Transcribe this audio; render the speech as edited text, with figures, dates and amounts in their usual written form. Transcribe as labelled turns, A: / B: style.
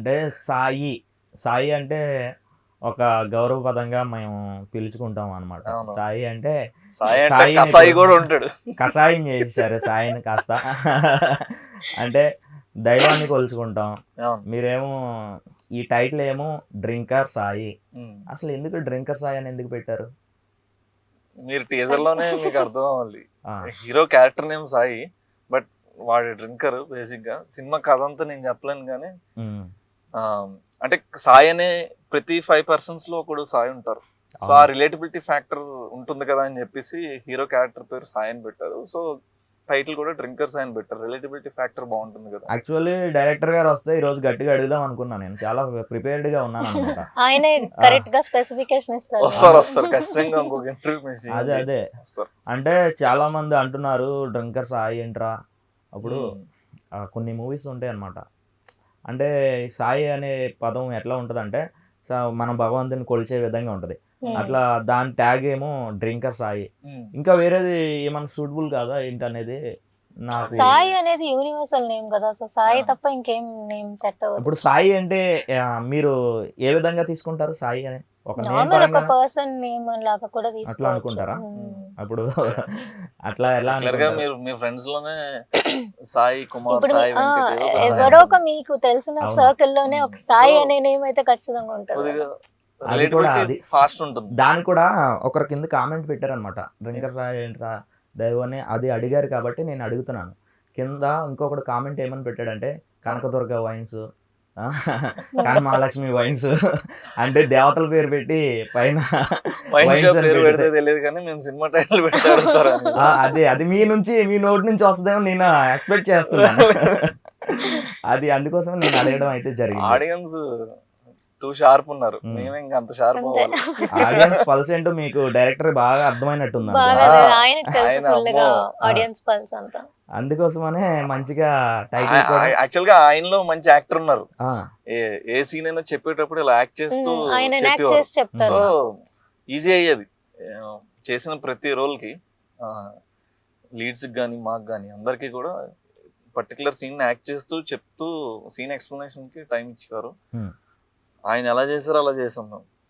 A: అంటే సాయి సాయి అంటే ఒక గౌరవపదంగా మేము పిలుచుకుంటాం అనమాట.
B: అవును.
A: సాయి అంటే
B: సాయి అంటే
A: సాయిని
B: కసాయి
A: ఇప్పుడు
B: కూడా ఉంటాడు.
A: కషాయం చేసేసారు సాయిని కాస్త. అంటే దైవాన్ని కొలుచుకుంటాం.
B: అవును.
A: మీరేమో ఈ టైటిల్ ఏమో డ్రింకర్ సాయి.
B: ఉమ్.
A: అసలు ఎందుకు డ్రింకర్ సాయి అని ఎందుకు పెట్టారు?
B: మీరు టీజర్ లోనే మీకు అర్థం అవ్వాలి.
A: ఆ,
B: hero character name Sai, but వాడి డ్రింకర్. బేసిక్ గా సినిమా కథ అంతా నేను చెప్పలేను కానీ
A: ఉమ్,
B: అంటే సాయి అనే ప్రతి 5 persons లో ఒకడు సాయి ఉంటారు. సో ఆ
A: అవును.
B: రిలేటబిలిటీ ఫ్యాక్టర్ ఉంటుంది కదా అని చెప్పేసి హీరో క్యారెక్టర్ పేరు సాయి అని పెట్టారు. సో టైటిల్ కూడా డ్రింకర్ సాయి అని పెట్టారు. రిలేటబిలిటీ ఫ్యాక్టర్ బాగుంటుంది కదా.
A: యాక్చువల్లీ డైరెక్టర్ గారు వస్తే ఈ రోజు గట్టిగా అడుగుదాం అనుకున్నాను. నేను చాలా ప్రిపేర్డ్ గా ఉన్నాను అనమాట.
C: ఆయనే కరెక్ట్ గా స్పెసిఫికేషన్ ఇస్తారు.
B: వస్తారు ఖచ్చితంగా ఇంకొక ఇంటర్వ్యూ
A: అదే అదే
B: వస్తారు.
A: అంటే చాలా మంది అంటున్నారు డ్రింకర్ సాయి ఏంట్రా. అప్పుడు కొన్ని మూవీస్ ఉంటాయి అన్నమాట. అంటే సాయి అనే పదం ఎట్లా ఉంటదంటే మనం భగవంతుని కొలిచే విధంగా ఉంటది. అట్లా దాని ట్యాగ్ ఏమో డ్రింకర్ సాయి. ఇంకా వేరేది ఏమైనా సూటబుల్ కాదా ఏంటనేది నాకు.
C: సాయి అనేది యూనివర్సల్ నేమ్ కదా, సో సాయి తప్ప ఇంకేం నేమ్ సెట్ అవ్వదు.
A: ఇప్పుడు సాయి అంటే మీరు ఏ విధంగా తీసుకుంటారు సాయి అని? ఒక నేమ్
C: నార్మల్ ఒక
A: పరంగా
C: పర్సన్ నేమ్ లాగా కూడా
A: అట్లా
C: తీసుకోవచ్చు.
A: అనుకుంటారా? అప్పుడు అట్లా ఎలా
B: Regular గా
A: అనుకుంటారు?
B: మీరు మీ ఫ్రెండ్స్ లోనే సాయి కుమార్,
C: ఇప్పుడు
B: సాయి వెంకట్ ఏదో ఒక సాయి
C: ఎవరో ఒక
B: ఉంటుంది.
C: మీకు తెలిసిన
A: అవును.
C: సర్కిల్ లోనే ఒక సాయి
B: So,
C: అనే నేమ్ అయితే ఖచ్చితంగా ఉంటుంది.
B: కొద్దిగా
A: అది కూడా
B: రిలేటబిలిటీ
A: అది
B: ఫాస్ట్ ఉంటుంది.
A: దాని కూడా ఒకరి కింద కామెంట్ పెట్టారనమాట. డ్రింకర్ సాయి ఏంట్రా దైవం అది అడిగారు కాబట్టి నేను అడుగుతున్నాను. కింద ఇంకొకటి కామెంట్ ఏమని పెట్టాడంటే కనకదుర్గ వైన్స్, కనమహాలక్ష్మి వైన్స్ అంటే దేవతల పేరు పెట్టి పైన
B: వైన్
A: వైన్స్
B: షాప్
A: అని
B: పేరు
A: పెడితే
B: పెడితే తెలియదు కానీ మేము సినిమా టైటిల్ పెడితే అడుగుతారు.
A: అదే అది మీ నోటి నుంచి వస్తుందేమో నేను ఎక్స్పెక్ట్ చేస్తున్నాను. అది అందుకోసం నేను అడగడం అయితే జరిగింది.
B: ఆడియన్స్ టూ షార్ప్ ఉన్నారు, మేమే ఇంకా అంత షార్ప్
C: అంతే.
B: అవ్వాలి.
A: ఆడియన్స్ పల్స్ ఏంటో మీకు డైరెక్టర్ బాగా అర్థమైనట్టుంది
C: బాగా
A: అనుకుంటా.
C: ఆయనకు తెలుసు
B: ఆయన
C: ఫుల్ గా
B: అమ్మో.
C: ఆడియన్స్ పల్స్ అంతా.
A: అందుకోసమనే మంచిగా టైటిల్ కూడా
B: యాక్చువల్ గా ఆయనలో మంచి యాక్టర్ ఉన్నారు.
A: ఆ,
B: ఏ సీన్ అయినా చెప్పేటప్పుడు ఇలా యాక్ట్ చేస్తూ
C: ఆయన యాక్ట్
B: చెప్పేవారు.
C: చేసి చెప్తారు.
B: సో ఈజీ అయ్యేది చేసిన ప్రతి రోల్ కి. లీడ్స్ కానీ మాకు కానీ అందరికి కూడా పర్టికులర్ సీన్ యాక్ట్ చేస్తూ చెప్తూ సీన్ ఎక్స్ప్లెనేషన్ కి టైం ఇచ్చేవారు.
A: Hmm.
B: ఆయన ఎలా చేశారో అలా చేసాం మేము.